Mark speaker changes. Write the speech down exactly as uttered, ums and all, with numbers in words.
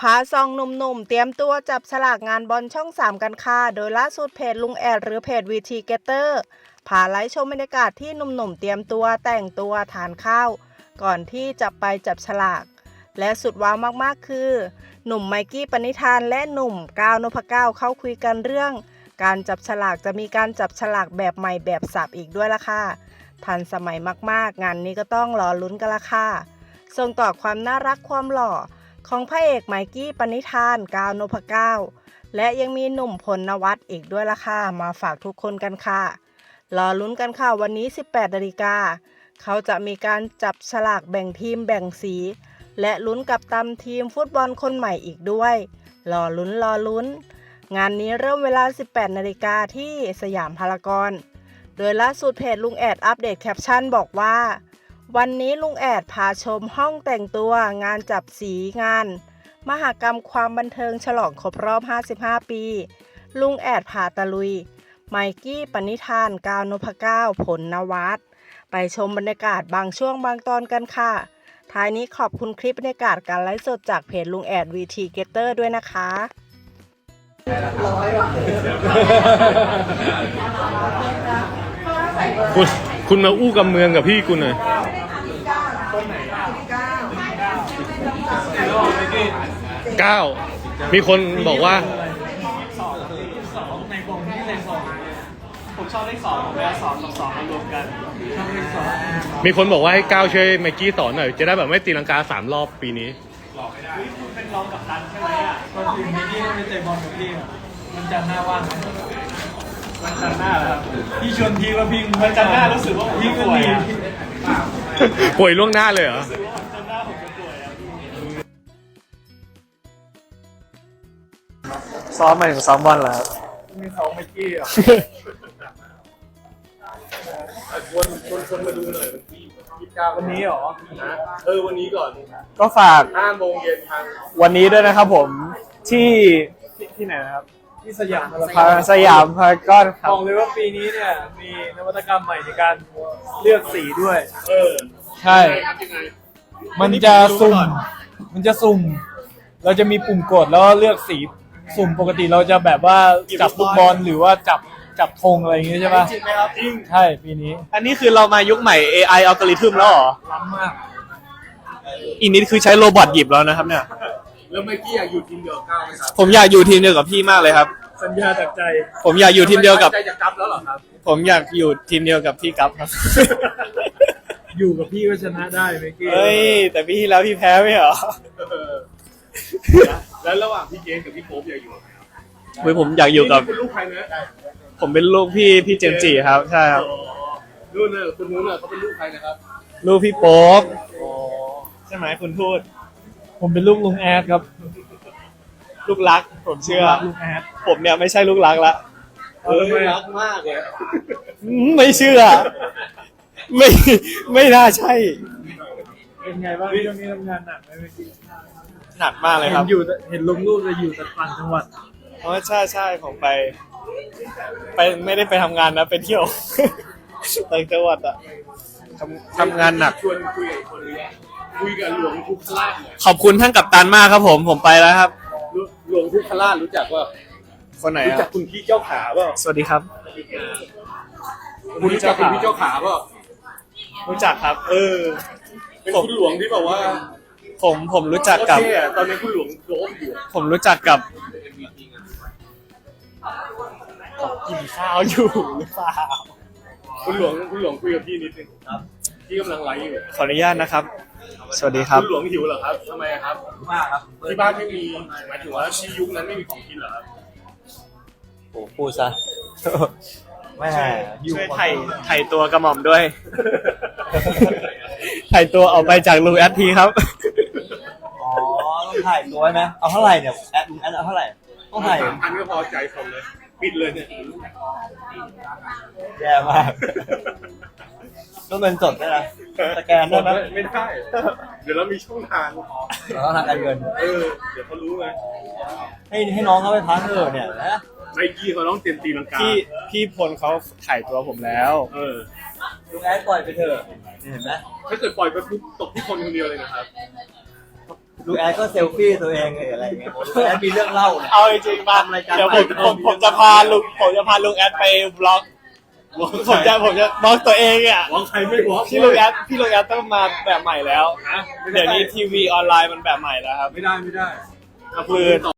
Speaker 1: าซองหนุ่มๆเตรียมตัวจับฉลากงานบอลช่องสามกันค่ะโดยล่าสุดเพจลุงแอดหรือเพจวีทีเกเตอร์พาไลฟ์ชมบรรยากาศที่หนุ่มๆเตรียมตัวแต่งตัวทานข้าวก่อนที่จะไปจับฉลากและสุดว้าวมากๆคือหนุ่มไมกี้ปณิธานและหนุ่มก้าวนพเก้าเข้าคุยกันเรื่องการจับฉลากจะมีการจับฉลากแบบใหม่แบบสับอีกด้วยล่ะค่ะทันสมัยมากๆงานนี้ก็ต้องรอลุ้นกันละค่ะส่งต่อความน่ารักความหล่อของพระเอกไมกี้ปณิธานก้าวนพเก้าและยังมีหนุ่มพลนวัตอีกด้วยล่ะค่ะมาฝากทุกคนกันค่ะรอลุ้นกันค่ะวันนี้สิบแปดนาฬิกาเขาจะมีการจับฉลากแบ่งทีมแบ่งสีและลุ้นกับตำทีมฟุตบอลคนใหม่อีกด้วยรอลุ้นรอลุ้นงานนี้เริ่มเวลาสิบแปดนาฬิกาที่สยามพารากอนโดยล่าสุดเพจลุงแอดอัปเดตแคปชั่นบอกว่าวันนี้ลุงแอดพาชมห้องแต่งตัวงานจับสีงานมหกรรมความบันเทิงฉลองครบรอบห้าสิบห้าปีลุงแอดพาตะลุยไมกี้ปณิธานก้าวนพเก้าผลนวัตไปชมบรรยากาศบางช่วงบางตอนกันค่ะท้ายนี้ขอบคุณคลิปบรรยากาศการไลฟ์สดจากเพจลุงแอดวีทีเกเตอร์ด้วยนะคะ
Speaker 2: คุณคุณมาอู้กับเมืองกับพี่คุณหน่อยเก้ามีคนบอกว่า
Speaker 3: สองในวงที่เลขสองผมชอบเลขสองแล้วสองกับสองมารวมกันชอบเลขสอง
Speaker 2: มีคนบอกว่าให้ก้าวช่วยไมค์กี้สอนหน่อยจะได้แบบไม่ตีลังกาสามรอบปีนี้
Speaker 3: หลอกไม่ได้คุณเป็นรองกับตันใช่ไหมอ่ะตอนทีมนี้ที่ไม่เตะบอลกับพี่มันจันหน้าว่างมันจันหน้าแล้วพี่ชวนทีว่าพี่มันจันหน้ารู้สึกว่าพี่ก็มี
Speaker 2: ป่วยล่วงหน้าเลยเหรอ
Speaker 3: จันหน้าผมจะป่วยอ่ะซ้อมมาถึงซ้อมบอลแล้วมีซ้อมไมกี้อ่ะวนวนคนมาดูหน่อยวันนี้เหรอ
Speaker 2: เออวันนี้ก่อน
Speaker 3: ก็ฝาก
Speaker 2: ห้าโมงเย็นทาง
Speaker 3: วันนี้ด้วยนะครับผมที่ที่ไหนนะครับที่สยามพารสยามพารากอนครับบอกเลยว่าปีนี้เนี่ยมีนวัตกรรมใหม่ในการเลือกสีด้วย
Speaker 2: เออ
Speaker 3: ใช่มันจะสุ่มมันจะสุ่มเราจะมีปุ่มกดแล้วเลือกสีสุ่มปกติเราจะแบบว่าจับลูกบอลหรือว่าจับจับธงอะไรอย่างเงี้ยใช่ป่ะ
Speaker 2: จริงไหมครับจริง
Speaker 3: ใช่ปีนี้
Speaker 4: อันนี้คือเรามายุคใหม่ เอ ไอ อัลกอริทึมแล้วเหรอ
Speaker 3: ล้ำมาก
Speaker 4: อีกนิดคือใช้โรบอทหยิบแล้วนะครับเนี่ย
Speaker 2: แล้วไมค์กี้อยากอยู่ทีมเดียวกับก้าวไหมครับ
Speaker 4: ผมอยากอยู่ทีมเดียวกับพี่มากเลยครับ
Speaker 3: สัญญาจากใจ
Speaker 4: ผมอยากอยู่ทีมเดียวกับ
Speaker 2: ใจจะกลับแล้วเหรอครับ
Speaker 4: ผมอยากอยู่ทีมเดียวกับพี่กั๊บครับ
Speaker 3: อยู่กับพี่ก็ชนะได้ไมกี้
Speaker 4: เฮ้ยแต่พี่ที่แล้วพี่แพ้ไม่เหรอ
Speaker 2: แล้วระหว่างพี่เจนกับพี่โป๊ปอยากอยู่กับใครครับ
Speaker 4: เฮ้ยผมอยากอยู่กับ
Speaker 2: คุณลูกใครนะ
Speaker 4: ผมเป็นลูกพี่พี่เจมส์จีครับใช่ครับ
Speaker 2: นู่นน่ะคุณนู้นน่ะเขาเป็นลูกใครนะครับ
Speaker 4: ลูกพี่โป๊ปใช่ไหมคุณพูด
Speaker 3: ผมเป็นลูกลุงแอดครับ
Speaker 4: ลูกรักผมเชื่อ
Speaker 3: ลูกแอด
Speaker 4: ผมเนี่ยไม่ใช่ลูกรักละ
Speaker 2: เออรักมากเลย
Speaker 4: ไม่เชื่อไม่ไม่น่าใช่
Speaker 3: เป็นไงบ้างช่วงนี้ทำงานหนักไหมเมื่อกี้
Speaker 4: หนักมากเลยครับ
Speaker 3: เห็นอยู่เห็นลงรูปจะอยู่แต่ต่างจังหวัด
Speaker 4: อ๋อใช่ใช่ผมไปไปไม่ได้ไปทำงานนะไปเที่ยวต่างจังหวัดอะทำทำงานหนัก
Speaker 2: ชวนคุยกับคนนี้คุยกับหลวงทุกขราช
Speaker 4: ขอบคุณท่านกัปตันมากครับผมผมไปแล้วครับ
Speaker 2: หลวงทุกขราชรู้จักว่า
Speaker 4: คนไหน
Speaker 2: รู้จักคุณพี่เจ้าขาเปล่า
Speaker 4: สวัสดีครับ
Speaker 2: คุณรู้จักคุณพี่เจ้าขาเปล่า
Speaker 4: รู้จักครับ
Speaker 2: เออเป็นคุณหลวงที่แบบว่า
Speaker 4: ผมผมรู้จักกับ
Speaker 2: ตอนนี้คุณหลวงโดมอยู่
Speaker 4: ผมรู้จักกับกินข้าวอยู่หรือเปล่า
Speaker 2: คุณหลวงคุณหลวงคุยกับพี่นิดนึงครับพี่กำลังไลฟ์อยู่
Speaker 4: ขออนุญาตนะครับสวัสดีครับ
Speaker 2: คุณหลวงหิวเหรอครับทำไมครับมากครับที่บ้านไม่มีหมายถึงว่าที่ยุคนั้นไม่มีของกินเหรอครับ
Speaker 4: โอ้พูดซะแม่ช่วยไถ่ไถ่ตัวกระหม่อมด้วยไถ่ตัวออกไปจากลุงแอดทีครับ
Speaker 5: อ๋อต้องถ่ายตัวไหมเอาเท่าไหร่เนี่ยแอดแอดเอาเท่าไหร่ต้องถ่าย
Speaker 2: สามพันก็พอใจผมเลยปิดเลยเนี่ย
Speaker 5: แย่มากต้องเงินสดได้ไหมสแกนได้ไหม
Speaker 2: ไม่ได้เดี๋ยวเรามีช่องทาง
Speaker 5: เราต้องทางการเงิน
Speaker 2: เออเดี๋ยวเขารู้ไง
Speaker 5: ให้ให้น้องเขาไปพักเถอะเนี่ยนะ
Speaker 2: ไมกี้เขาต้องเตรียมตีลังกา
Speaker 4: พี่พี่พลเขาถ่ายตัวผมแล้ว
Speaker 2: เออ
Speaker 5: ลุงแอดปล่อยไปเถอะเห็นไหม
Speaker 2: ถ้าเกิดปล่อยไปปุ๊บตกที่คนคนเดียวเลยนะครับ
Speaker 5: ลุงแอดก็เซลฟี่ตัวเองเลยอะไรเงี้ยลุงแอดมีเรื่องเล่าเนี่ย
Speaker 4: เอาจริงๆมา
Speaker 5: ทำรายการ
Speaker 4: เดี๋ยวผมผมผมจะพาลุงผมจะพาลุงแอดไปบล็อกผมจะผมจะบล็อกตัวเองอ่ะ
Speaker 2: วางใครไม่วาง
Speaker 4: พี่ลุงแอดพี่ลุงแอดต้องมาแบบใหม่แล้วเดี๋ยวนี้ทีวีออนไลน์มันแบบใหม่แล้วครับ
Speaker 2: ไม่ได้ไม่ได้
Speaker 4: คือ